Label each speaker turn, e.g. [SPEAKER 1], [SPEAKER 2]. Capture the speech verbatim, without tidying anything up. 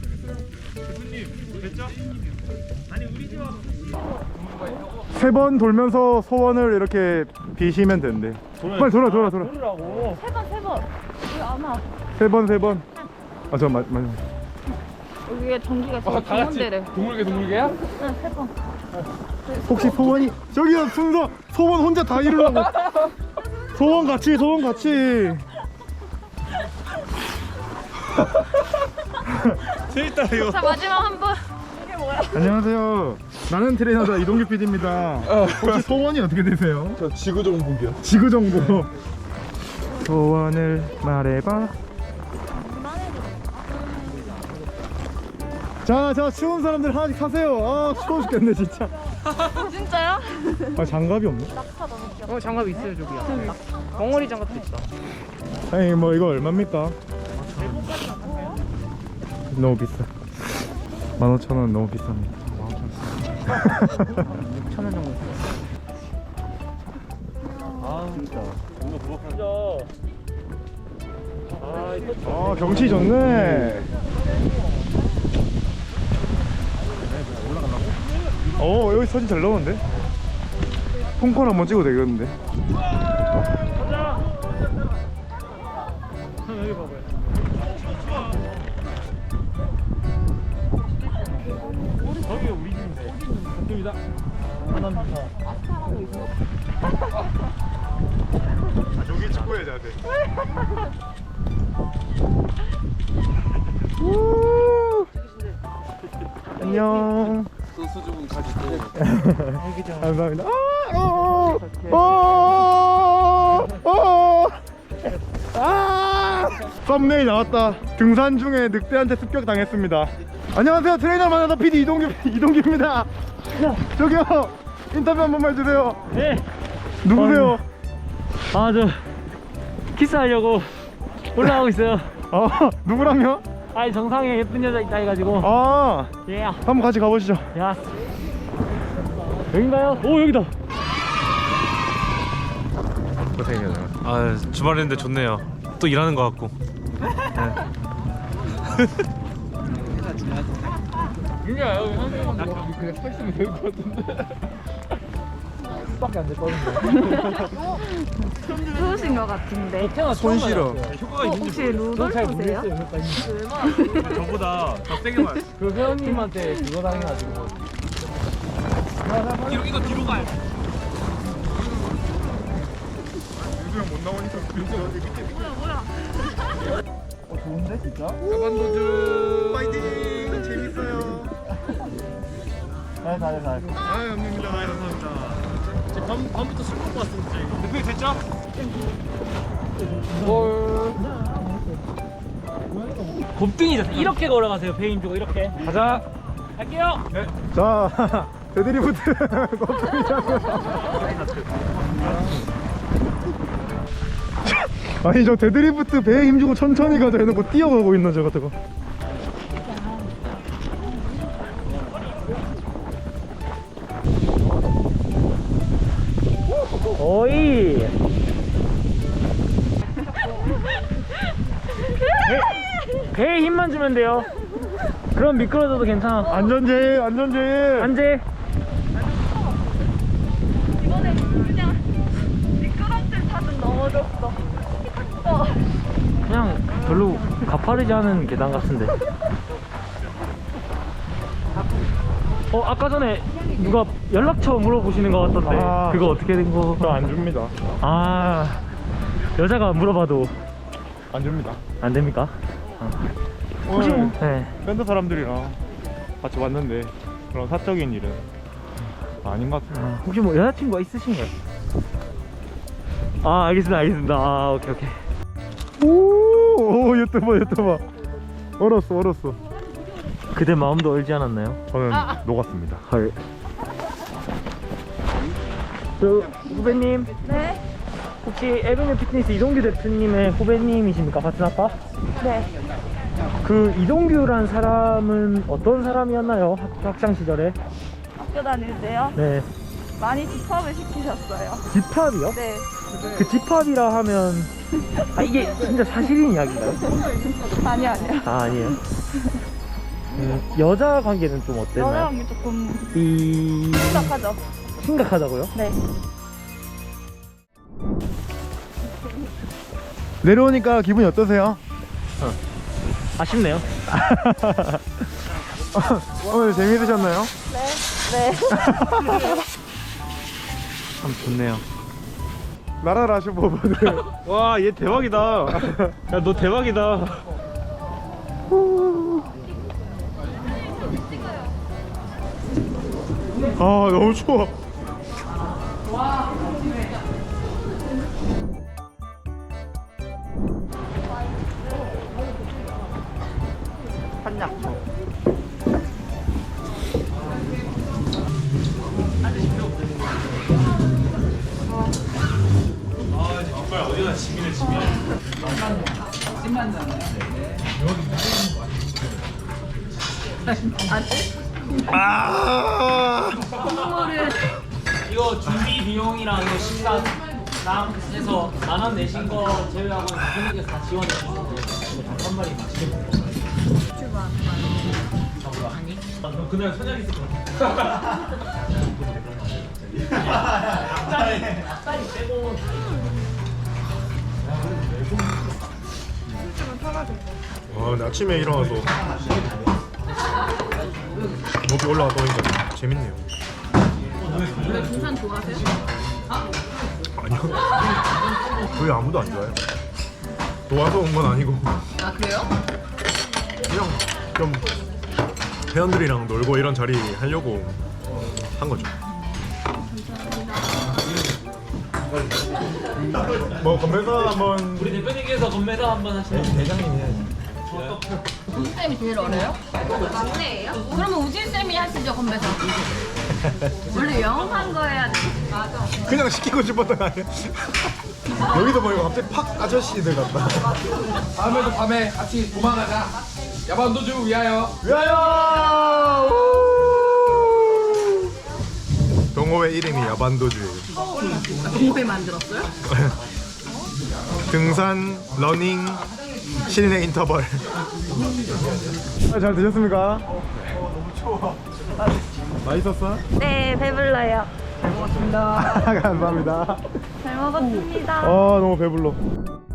[SPEAKER 1] 대표님 됐죠? 아니 우리 집 와서
[SPEAKER 2] 세 번 돌면서 소원을 이렇게 비시면 된대. 빨리 돌아 돌아 돌아.
[SPEAKER 1] 돌으라고.
[SPEAKER 3] 세 번, 세 번. 여기 안 와.
[SPEAKER 2] 세 번 세 번. 아 저 맞 맞.
[SPEAKER 3] 여기에 전기가 지금
[SPEAKER 1] 다 같이
[SPEAKER 3] 동원대래.
[SPEAKER 1] 동물계 동물계야?
[SPEAKER 3] 응, 세 번.
[SPEAKER 2] 혹시 소원이 저기요 순서 소원 혼자 다 이루려고. 소원 같이 소원 같이.
[SPEAKER 1] 재밌다 이거.
[SPEAKER 3] 자, 마지막 한 번. 이게 뭐야?
[SPEAKER 2] 안녕하세요. 나는 트레이너다 이동규 피디입니다. 혹시 소원이 어떻게 되세요?
[SPEAKER 1] 저 지구 정복이요.
[SPEAKER 2] 지구 정보. 소원을 말해봐. 자, 자 추운 사람들 하나씩 사세요. 아 추워 죽겠네 진짜.
[SPEAKER 3] 진짜요?
[SPEAKER 2] 아 장갑이 없네.
[SPEAKER 3] 낙타 너무 귀엽다.
[SPEAKER 4] 어 장갑 있어요 저기요. 벙어리 장갑도 있다.
[SPEAKER 2] 아니 뭐 이거 얼마입니까? 너무 비싸. 만 오천 원 너무 비쌉니다.
[SPEAKER 4] 천 원 정도.
[SPEAKER 1] 아 진짜. 뭔가 부럽다. 아 이거
[SPEAKER 2] 아 경치 좋네. 어 여기 사진 잘 나오는데? 폰콘 한번 찍어도 되겠는데?
[SPEAKER 1] 가자. 형 여기 봐봐요. 저기 우리 집인데. 저쪽이다. 감사합니다.
[SPEAKER 2] 아 저기 축구해 자세. 안녕.
[SPEAKER 1] 소수주분 가지고.
[SPEAKER 2] 감사합니다. 아, 어, 어, 어, 아, 썸네일 나왔다. 등산 중에 늑대한테 습격 당했습니다. 안녕하세요. 트레이너 만나다 피디 이동규 이동규입니다. 저기요 인터뷰 한 번만 해주세요.
[SPEAKER 4] 네.
[SPEAKER 2] 누구세요?
[SPEAKER 4] 아 저 키스하려고 올라가고 있어요.
[SPEAKER 2] 아 누구랑요?
[SPEAKER 4] 아니 정상에 예쁜 여자 있다 해가지고.
[SPEAKER 2] 아
[SPEAKER 4] 예.
[SPEAKER 2] 한번 같이 가보시죠.
[SPEAKER 4] 야. 여긴가요? 오 여기다.
[SPEAKER 2] 고생이네요.
[SPEAKER 1] 아 주말인데 좋네요. 또 일하는 것 같고.
[SPEAKER 4] 윤야 여기 한명만 더 그냥 서 있으면 될 것 같은데. 밖에 안 됐거든요.
[SPEAKER 3] 좋으신 것 같은데.
[SPEAKER 2] 손 실어.
[SPEAKER 1] 효과가
[SPEAKER 3] 어, 혹시 루돌프세요?
[SPEAKER 1] 저보다 더 세게 맞.
[SPEAKER 4] 그 회원님한테 그거 당해가지고.
[SPEAKER 1] 이거 이거 뒤로 가요.
[SPEAKER 2] 유수형 못 나오니까
[SPEAKER 4] 어 좋은데 진짜?
[SPEAKER 1] 가반도주.
[SPEAKER 2] 파이팅 재밌어요.
[SPEAKER 4] 잘 잘 잘.
[SPEAKER 2] 아 감사합니다.
[SPEAKER 1] 감사합니다. 밤 밤부터 술 먹고 왔습니다. 대표님 됐죠?
[SPEAKER 4] 뭘? 곱등이죠. 이렇게 걸어가세요. 배임 주고 이렇게. 가자. 갈게요.
[SPEAKER 1] 네.
[SPEAKER 2] 자 데드리프트 아니 저 데드리프트 배에 힘주고 천천히 가자 해놓고 뛰어가고 있는 저 같은 거.
[SPEAKER 4] 오이. 배, 배에 힘만 주면 돼요. 그럼 미끄러져도 괜찮아.
[SPEAKER 2] 안전제일 안전제일.
[SPEAKER 4] 안돼.
[SPEAKER 3] 이번에 그냥 미끄럼틀 타듯 넘어졌어. 어.
[SPEAKER 4] 그냥 별로 가파르지 않은 계단 같은데. 어 아까 전에 누가 연락처 물어보시는 것 같던데.
[SPEAKER 2] 아.
[SPEAKER 4] 그거 어떻게 된 거?
[SPEAKER 2] 저 안 줍니다.
[SPEAKER 4] 아 여자가 물어봐도
[SPEAKER 2] 안 줍니다.
[SPEAKER 4] 안 됩니까?
[SPEAKER 2] 혹시 뭐
[SPEAKER 4] 네.
[SPEAKER 2] 밴드 사람들이랑 같이 왔는데 그런 사적인 일은 아닌 것 같습니다.
[SPEAKER 4] 아, 혹시 뭐 여자친구가 있으신가요? 아 알겠습니다 알겠습니다. 아 오케이 오케이.
[SPEAKER 2] 오, 오 유튜버 유튜버 얼었어 얼었어.
[SPEAKER 4] 그대 마음도 얼지 않았나요?
[SPEAKER 2] 저는 녹았습니다.
[SPEAKER 4] 헐. 저 후배님
[SPEAKER 3] 네?
[SPEAKER 4] 혹시 에베뉴 피트니스 이동규 대표님의 후배님이십니까? 같은 아빠?
[SPEAKER 3] 네.
[SPEAKER 4] 그 이동규란 사람은 어떤 사람이었나요? 학, 학창 시절에?
[SPEAKER 3] 학교 다닐 때요?
[SPEAKER 4] 네.
[SPEAKER 3] 많이 집합을 시키셨어요.
[SPEAKER 4] 집합이요?
[SPEAKER 3] 네.
[SPEAKER 4] 그 집합이라 하면 아 이게 진짜 사실인 이야기인가요?
[SPEAKER 3] 아니, 아니요.
[SPEAKER 4] 아 아니에요.
[SPEAKER 2] 음, 여자 관계는 좀 어땠나요?
[SPEAKER 3] 여자랑 게 조금
[SPEAKER 2] 이...
[SPEAKER 3] 심각하죠.
[SPEAKER 2] 심각하다고요?
[SPEAKER 3] 네.
[SPEAKER 2] 내려오니까 기분이 어떠세요?
[SPEAKER 1] 아쉽네요.
[SPEAKER 2] 오늘 재미있으셨나요?
[SPEAKER 3] 네. 네.
[SPEAKER 2] 참 좋네요. 나라라 슈퍼보드. 와, 얘 대박이다. 야, 너 대박이다. 아, 너무 추워. 아.
[SPEAKER 1] 이거 준비 비용이랑 이거 식사랑 해서 만 원 내신 거 제외하고 분위기에서 다 지원해 주시는데 이거 닭 한 마리 맛있게 먹고 유튜브 한 입? 그럼 그날 선약 있을 것 같아. 닭다리 빼고
[SPEAKER 2] 와, 근데 아침에 일어나서 목이 올라가다 보니까 재밌네요.
[SPEAKER 3] 원래 등산 좋아하세요?
[SPEAKER 2] 아니요. 거의 아무도 안 좋아해요. 좋아서 온 건 아니고
[SPEAKER 3] 아 그래요?
[SPEAKER 2] 그냥 좀 회원들이랑 놀고 이런 자리 하려고 한 거죠. 뭐 건배사 한번.
[SPEAKER 1] 우리 대표님께서 건매사 한번 하시면
[SPEAKER 2] 대장님 해야지.
[SPEAKER 5] 우진쌤이 제일 어려요? 막내예요? 그러면 우진쌤이 하시죠, 건배사. 원래 영업한 거 해야 돼. 맞아.
[SPEAKER 2] 그냥 시키고 싶었던 거 아니야? 여기도 보니까 갑자기 팍 아저씨들 같다.
[SPEAKER 4] 다음에도 밤에 같이 도망가자. 야반도주 위하여.
[SPEAKER 2] 위하여! 동호회 이름이 야반도주예요.
[SPEAKER 5] 동호회 만들었어요?
[SPEAKER 2] 등산, 러닝, 실내 인터벌. 아, 잘 드셨습니까? 너무 추워. 맛있었어?
[SPEAKER 3] 네, 배불러요.
[SPEAKER 2] 감사합니다.
[SPEAKER 3] 잘 먹었습니다.
[SPEAKER 2] 아, 너무 배불러.